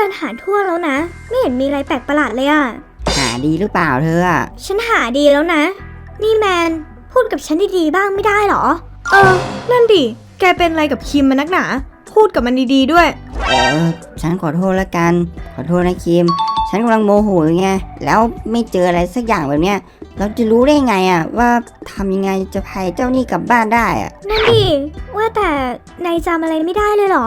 ดินหาทั่วแล้วนะไม่เห็นมีอะไรแปลกประหลาดเลยอะหาดีหรือเปล่าเธออะฉันหาดีแล้วนะนี่แมนพูดกับฉันดีๆบ้างไม่ได้หรอนั่นดิแกเป็นอะไรกับคิมมันนักหนาพูดกับมันดีๆด้วยฉันขอโทษละกันขอโทษนะคิมฉันกำลังโมโหไงแล้วไม่เจออะไรสักอย่างแบบเนี้ยเราจะรู้ได้ไงอะว่าทำยังไงจะพาเจ้านี่กลับบ้านได้อะนั่นดิว่าแต่นายจำอะไรไม่ได้เลยเหรอ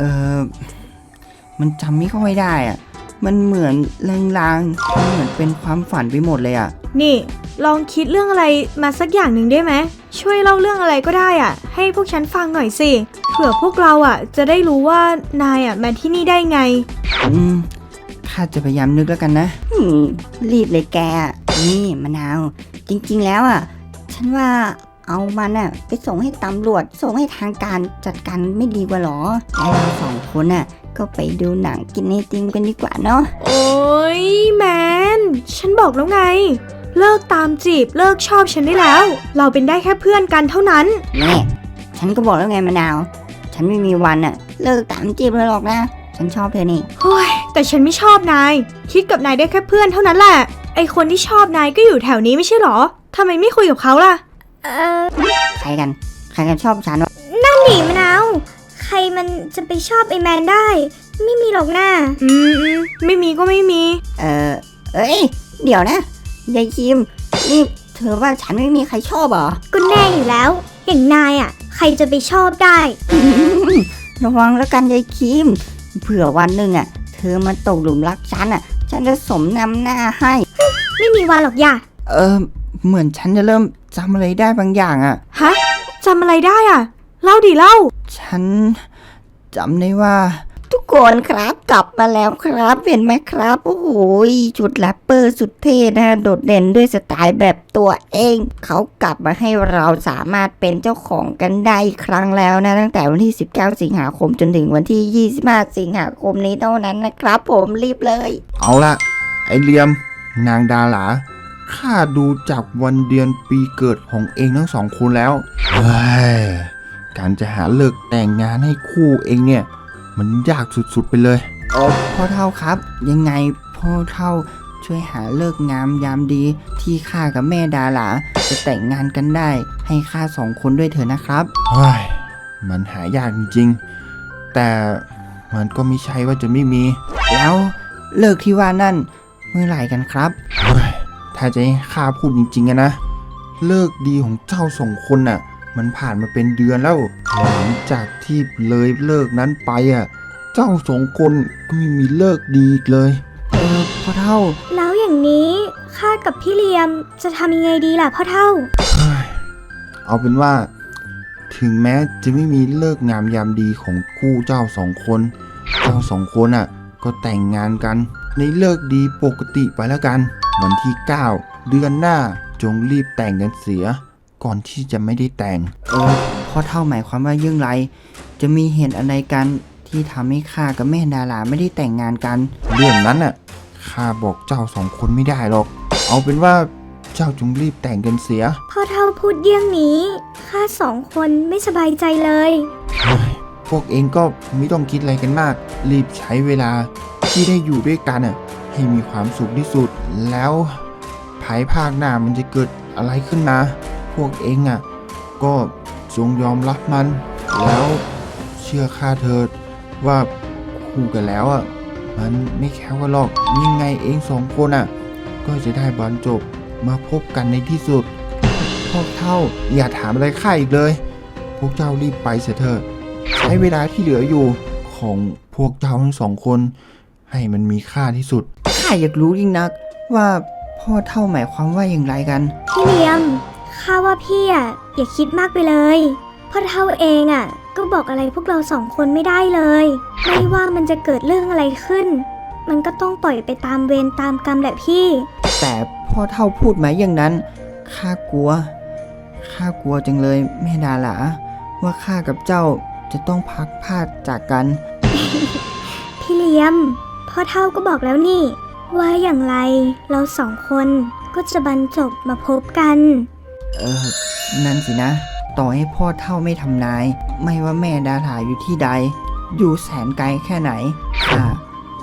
มันจำไม่ค่อยได้อะมันเหมือนลางๆมันเหมือนเป็นความฝันไปหมดเลยอะนี่ลองคิดเรื่องอะไรมาสักอย่างหนึ่งได้ไหมช่วยเล่าเรื่องอะไรก็ได้อ่ะให้พวกฉันฟังหน่อยสิเผื่อพวกเราอ่ะจะได้รู้ว่านายอ่ะมาที่นี่ได้ไงข้าจะพยายามนึกแล้วกันนะรีบเลยแกนี่มะนาวจริงๆแล้วอะฉันว่าเอามันอะไปส่งให้ตำรวจส่งให้ทางการจัดการไม่ดีกว่าหรอแล้วเราสองคนอะก็ไปดูหนังกินไอติมกันดีกว่าเนาะโอ้ยแมนฉันบอกแล้วไงเลิกตามจีบเลิกชอบฉันได้แล้วเราเป็นได้แค่เพื่อนกันเท่านั้นแม่ฉันก็บอกแล้วไงมะนาวฉันไม่มีวันอะเลิกตามจีบเลยหรอกนะฉันชอบเธอนี่เฮ้ยแต่ฉันไม่ชอบนายคิดกับนายได้แค่เพื่อนเท่านั้นแหละไอคนที่ชอบนายก็อยู่แถวนี้ไม่ใช่หรอทำไมไม่คุยกับเขาล่ะใครกันชอบฉันวะนั่นดิมะนาวใครมันจะไปชอบไอแมนได้ไม่มีหรอกนะไม่มีก็ไม่มีเอ้ยเดี๋ยวนะยายคิมนี่เธอว่าฉันไม่มีใครชอบเหรอก็แน่อยู่แล้วอย่างนายอะใครจะไปชอบได้ระวังแล้วกันยายคิมเผื่อวันหนึ่งอะเธอมาตกหลุมรักฉันอะฉันจะสมนำหน้าให้ไม่มีวันหรอกย่าเหมือนฉันจะเริ่มจำอะไรได้บางอย่างอะฮะจำอะไรได้อะเล่าดิเล่าฉันจำได้ว่าทุกคนครับกลับมาแล้วครับเห็นไหมครับโอ้โหชุดแรปเปอร์สุดเท่นะโดดเด่นด้วยสไตล์แบบตัวเองเขากลับมาให้เราสามารถเป็นเจ้าของกันได้อีกครั้งแล้วนะตั้งแต่วันที่19สิงหาคมจนถึงวันที่25สิงหาคมนี้เท่านั้นนะครับผมรีบเลยเอาละไอเลียมนางดาหลาข้าดูจากวันเดือนปีเกิดของเองทั้งสองคนแล้วเฮ้ยการจะหาเลิกแต่งงานให้คู่เองเนี่ยมันยากสุดๆไปเลยพ่อเฒ่าครับยังไงพ่อเฒ่าช่วยหาเลิกงามยามดีที่ข้ากับแม่ดาหลาจะแต่งงานกันได้ให้ข้าสองคนด้วยเถอะนะครับเฮ้ยมันหายากจริงๆแต่มันก็ไม่ใช่ว่าจะไม่มีแล้วเลิกที่ว่านั่นเมื่อไหร่กันครับเฮ้ยถ้าจะให้ข้าพูดจริงๆนะเลิกดีของเจ้าสองคนน่ะมันผ่านมาเป็นเดือนแล้วหลังจากที่เลยเลิกนั้นไปเจ้าสองคนก็ไม่มีเลิกดีอีกเลยพ่อเฒ่าแล้วอย่างนี้ข้ากับพี่เลียมจะทำยังไงดีล่ะพ่อเฒ่าเอาเป็นว่าถึงแม้จะไม่มีเลิกงามยามดีของคู่เจ้าสองคนก็แต่งงานกันในเลิกดีปกติไปแล้วกันวันที่9เดือนหน้าจงรีบแต่งกันเสียก่อนที่จะไม่ได้แต่งพ่อเฒ่าหมายความว่ายังไรจะมีเหตุอะไรกันที่ทำให้ข้ากับแม่ดาราไม่ได้แต่งงานกันเรื่องนั้นข้าบอกเจ้าสองคนไม่ได้หรอกเอาเป็นว่าเจ้าจงรีบแต่งกันเสียพ่อเฒ่าพูดเยี่ยงนี้ข้าสองคนไม่สบายใจเลยพวกเองก็ไม่ต้องคิดอะไรกันมากรีบใช้เวลาที่ได้อยู่ด้วยกันให้มีความสุขที่สุดแล้วภายภาคหน้ามันจะเกิดอะไรขึ้นมาพวกเองก็จงยอมรับมันแล้วเชื่อข้าเถิดว่าคู่กันแล้วมันไม่แค่ว่าหรอกยังไงเองสองคนก็จะได้บรรจบมาพบกันในที่สุดพวกเฒ่าอย่าถามอะไรข้าอีกเลยพวกเจ้ารีบไปเสียเถอะใช้เวลาที่เหลืออยู่ของพวกเจ้าทั้งสองคนให้มันมีค่าที่สุดข้าอยากรู้ยิ่งนักว่าพ่อเฒ่าหมายความว่าอย่างไรกันพี่เลียมข้าว่าพี่อย่าคิดมากไปเลยพ่อเฒ่าเองก็บอกอะไรพวกเราสองคนไม่ได้เลยไม่ว่ามันจะเกิดเรื่องอะไรขึ้นมันก็ต้องปล่อยไปตามเวรตามกรรมแหละพี่แต่พ่อเฒ่าพูดมาอย่างนั้นข้ากลัวจังเลยแม่ดาหลาว่าข้ากับเจ้าจะต้องพักพลาดจากกันพี่เลียมพ่อเฒ่าก็บอกแล้วนี่ว่าอย่างไรเราสองคนก็จะบรรจบมาพบกันนั่นสินะต่อให้พ่อเฒ่าไม่ทำนายไม่ว่าแม่ดาหลาอยู่ที่ใดอยู่แสนไกลแค่ไหนข้า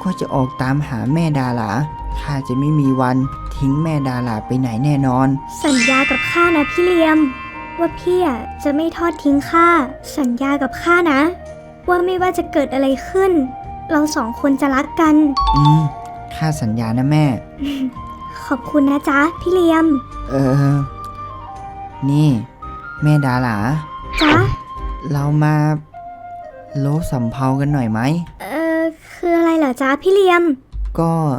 ก็จะออกตามหาแม่ดาราข้าจะไม่มีวันทิ้งแม่ดาราไปไหนแน่นอนสัญญากับข้านะพี่เหลียม ว่าพี่อะจะไม่ทอดทิ้งข้า สัญญากับข้านะ ว่าไม่ว่าจะเกิดอะไรขึ้น เราสองคนจะรักกันข้าสัญญานะแม่ขอบคุณนะจ๊ะพี่เหลียมนี่ แม่ดาราจ๊ะเรามาโลสำเภากันหน่อยไหมคืออะไรเหรอจ๊ะพี่เหลียมก็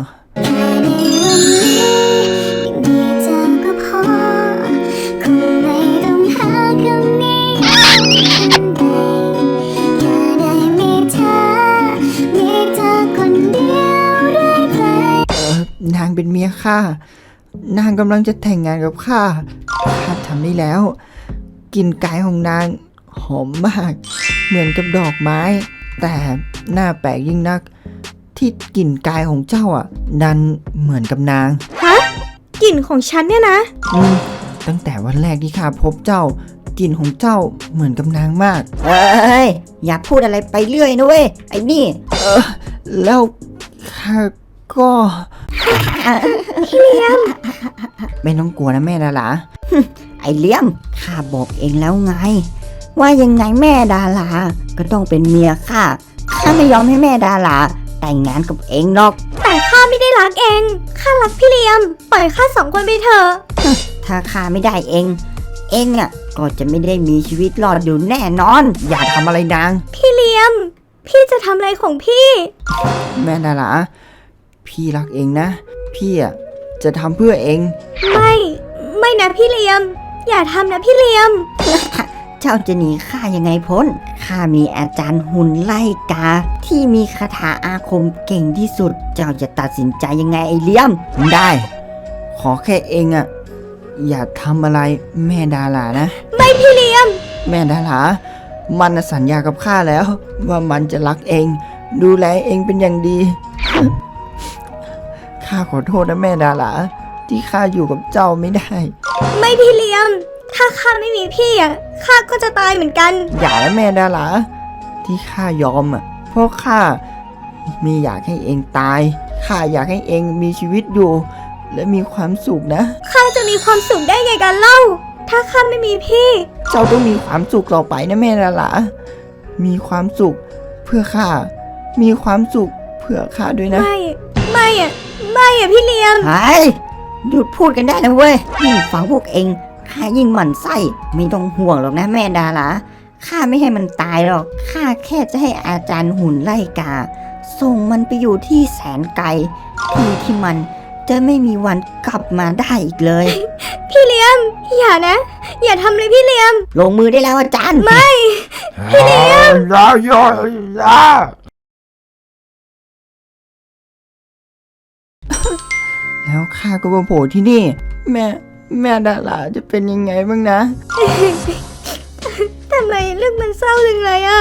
นางเป็นเมียข้านางกำลังจะแต่งงานกับข้าทำได้แล้วกลิ่นกายของนางหอมมาก เหมือนกับดอกไม้ แต่หน้าแปลกยิ่งนัก ที่กลิ่นกายของเจ้าดันเหมือนกับนางกลิ่นของฉันเนี่ยนะตั้งแต่วันแรกที่ข้าพบเจ้ากลิ่นของเจ้าเหมือนกับนางมากเอ้ยอย่าพูดอะไรไปเรื่อยนะเว้ยไอ้นี่แล้วข้าก็ ไม่ต้องกลัวนะแม่ดาราไอ้เลี้ยมข้าบอกเองแล้วไง ว่ายังไงแม่ดาราก็ต้องเป็นเมียข้าไม่ยอมให้แม่ดาราแต่งงานกับเองหรอกแต่ข้าไม่ได้รักเอง ข้ารักพี่เหลียม ปล่อยข้าสองคนไปเถอะถ้าข้าไม่ได้เองก็จะไม่ได้มีชีวิตรอดอยู่แน่นอนอย่าทำอะไรนางพี่เหลียม พี่จะทำอะไรของพี่แม่ดาราพี่รักเองนะ พี่จะทำเพื่อเองไม่นะพี่เหลียม อย่าทำนะพี่เหลียมเจ้าจะหนีข้ายังไงพ้นข้ามีอาจารย์หุ่นไล่กา ที่มีคาถาอาคมเก่งที่สุด เจ้าจะตัดสินใจยังไงไอ้เลี้ยมได้ ขอแค่เองอย่าทำอะไรแม่ดารานะไม่พี่เหลียมแม่ดารามันสัญญากับข้าแล้ว ว่ามันจะรักเอง ดูแลเองเป็นอย่างดี ข้าขอโทษนะแม่ดาราที่ข้าอยู่กับเจ้าไม่ได้ไม่พี่เหลียม ถ้าข้าไม่มีพี่ข้าก็จะตายเหมือนกันอย่านะแม่ดาราที่ข้ายอมเพราะข้าไม่อยากให้เองตายข้าอยากให้เองมีชีวิตอยู่ และมีความสุขนะข้าจะมีความสุขได้ไงกันเล่า ถ้าข้าไม่มีพี่เจ้าต้องมีความสุขต่อไปนะแม่ดารามีความสุขเพื่อข้ามีความสุขเพื่อข้าด้วยนะไม่พี่เหลียมไอ้หยุดพูดกันได้นะเว้ยยิ่งฟังพวกเองข้ายิ่งหมั่นไส้ไม่ต้องห่วงหรอกนะแม่ดาราข้าไม่ให้มันตายหรอกข้าแค่จะให้อาจารย์หุ่นไล่กา ส่งมันไปอยู่ที่แสนไกลที่มันจะไม่มีวันกลับมาได้อีกเลยพี่เหลียม อย่านะ อย่าทำเลยพี่เหลียมลงมือได้แล้วอาจารย์พี่เลี้ยงยาแล้วข้าก็มาโผล่ที่นี่ แม่ดาราจะเป็นยังไงบ้างนะทำไมเรื่องมันเศร้าจังเลยอ่ะ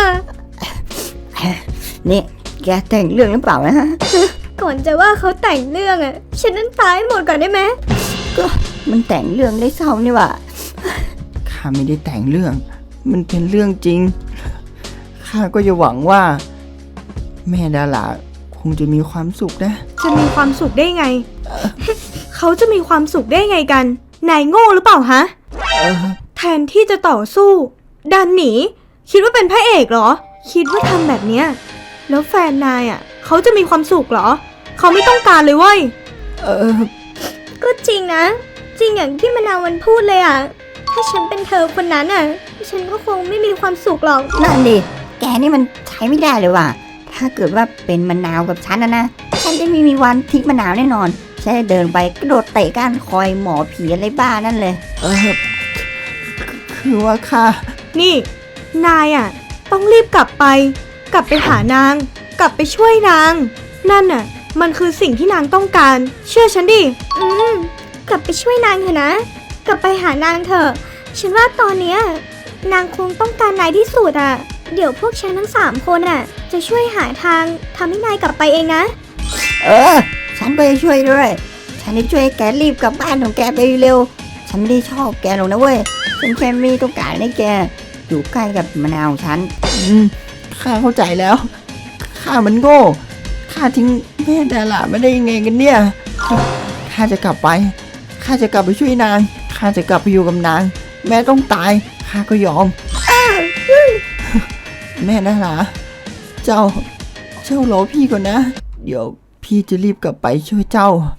นี่แกแต่งเรื่องหรือเปล่านะก่อนจะว่าเขาแต่งเรื่องฉันนั้นตายหมดก่อนได้ไหมมันแต่งเรื่องได้เศร้านี่หว่าข้าไม่ได้แต่งเรื่อง มันเป็นเรื่องจริง ข้าก็จะหวังว่า แม่ดาราคงจะมีความสุขนะจะมีความสุขได้ไง เขาจะมีความสุขได้ไงกัน นายโง่หรือเปล่าฮะ แทนที่จะต่อสู้ ดันหนี คิดว่าเป็นพระเอกเหรอ คิดว่าทำแบบเนี้ยแล้วแฟนนายเขาจะมีความสุขเหรอ เขาไม่ต้องการเลยเว้ยก็จริงนะ จริงอย่างที่มะนาวมันพูดเลยถ้าฉันเป็นเธอคนนั้นฉันก็คงไม่มีความสุขหรอกนั่นดิ แกนี่มันใช้ไม่ได้เลยว่ะ ถ้าเกิดว่าเป็นมะนาวกับฉันนะฉันจะไม่มีวันทิ้งมะนาวแน่นอนฉันจะเดินไปกระโดดเตะก้านคอยหมอผีอะไรบ้านั่นเลยคือว่าข้านี่ นายต้องรีบกลับไปหานาง กลับไปช่วยนาง นั่นมันคือสิ่งที่นางต้องการ เชื่อฉันดิกลับไปช่วยนางเถอะนะ กลับไปหานางเถอะ ฉันว่าตอนเนี้ยนางคงต้องการนายที่สุดเดี๋ยวพวกฉันทั้ง3 คนจะช่วยหาทางทำให้นายกลับไปเองนะฉันไปช่วยด้วย ฉันจะช่วยแกรีบกลับบ้านของแกไปเร็ว ฉันไม่ได้ชอบแกหรอกนะเว้ย ฉันแค่ไม่ต้องการให้แกอยู่ใกล้กับมะนาวของฉันข้าเข้าใจแล้ว ข้ามันโง่ข้าทิ้งแม่ดาราไม่ได้ยังไงกันเนี่ยข้าจะกลับไปข้าจะกลับไปช่วยนางข้าจะกลับไปอยู่กับนางแม่ต้องตายข้าก็ยอมแม่ดาราเจ้ารอพี่ก่อนนะ เดี๋ยวพี่จะรีบกลับไปช่วยเจ้า